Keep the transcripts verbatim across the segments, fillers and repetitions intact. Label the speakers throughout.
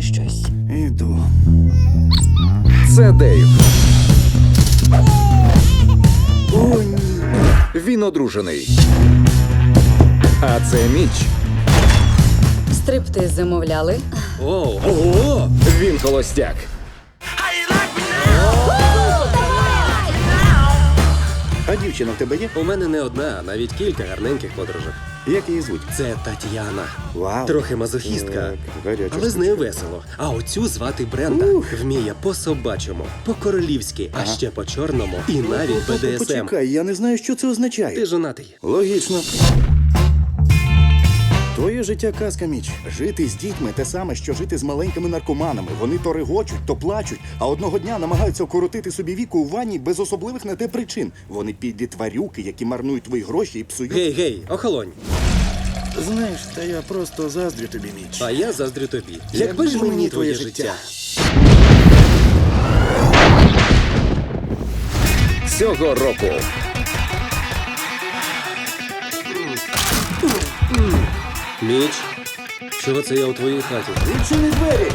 Speaker 1: сказати щось.
Speaker 2: Іду.
Speaker 3: Це Дейв.
Speaker 2: О, ні.
Speaker 3: Він одружений. А це Міч.
Speaker 1: Стриптиз замовляли.
Speaker 4: О, ого!
Speaker 3: Він холостяк.
Speaker 2: А дівчина в тебе є?
Speaker 4: У мене не одна, а навіть кілька гарненьких подружок.
Speaker 2: Як її звуть?
Speaker 4: Це Тетяна.
Speaker 2: Вау.
Speaker 4: Трохи мазохістка,
Speaker 2: Так, гаряча
Speaker 4: але з нею
Speaker 2: штучка.
Speaker 4: весело. А оцю звати Бренда. Вміє по-собачому, по-королівськи, а ще по-чорному і навіть бе де ес ем.
Speaker 2: Почекай, я не знаю, що це означає.
Speaker 4: Ти жонатий.
Speaker 2: Логічно. Твоє життя казка, Міч. Жити з дітьми те саме, що жити з маленькими наркоманами. Вони то регочуть, то плачуть, а одного дня намагаються вкоротити собі віку у ванні без особливих на те причин. Вони підлі тварюки, які марнують твої гроші і псують.
Speaker 4: Гей, гей, охолонь.
Speaker 2: Знаєш, та я просто заздрю тобі, Міч.
Speaker 4: А я заздрю тобі. Якби ж мені твоє життя.
Speaker 3: Цього року.
Speaker 4: Міч, чого це я у твоїй хаті?
Speaker 2: Відчини двері!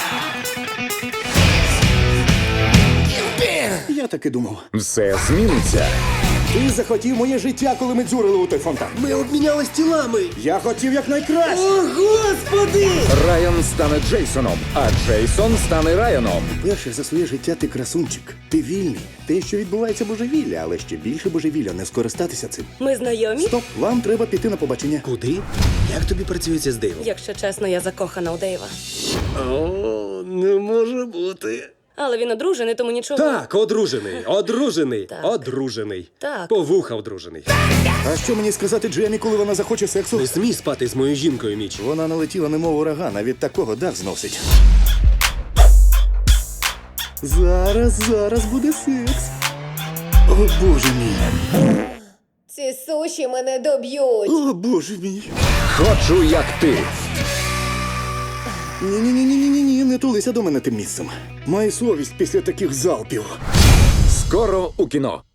Speaker 2: Я так і думав.
Speaker 3: Все зміниться.
Speaker 2: Ти захотів моє життя, коли ми дзюрили у той фонтан.
Speaker 4: Ми обмінялись тілами.
Speaker 2: Я хотів якнайкраще.
Speaker 4: О, Господи!
Speaker 3: Райан стане Джейсоном, а Джейсон стане Райаном.
Speaker 2: Перше за своє життя ти красунчик. Ти вільний. Те, що відбувається божевілля, але ще більше божевілля не скористатися цим.
Speaker 5: Ми знайомі?
Speaker 2: Стоп, вам треба піти на побачення.
Speaker 4: Куди? Як тобі працюється з Дейвом?
Speaker 5: Якщо чесно, я закохана у Дейва.
Speaker 4: О, не може бути.
Speaker 5: Але він одружений, тому нічого.
Speaker 4: Так, одружений, одружений,
Speaker 5: Так.
Speaker 4: одружений.
Speaker 5: Так.
Speaker 4: По вуха одружений.
Speaker 2: А що мені сказати Джемі, коли вона захоче сексу?
Speaker 4: Не смій спати з моєю жінкою, Міч.
Speaker 2: Вона налетіла немов ураган, а від такого дах зносить. Зараз, зараз буде секс. О, боже мій.
Speaker 6: Ці суші мене доб'ють.
Speaker 2: О, боже мій.
Speaker 3: Хочу, як ти.
Speaker 2: Ні-ні-ні-ні-ні, не тулися до мене тим місцем. Май совість після таких залпів.
Speaker 3: Скоро у кіно.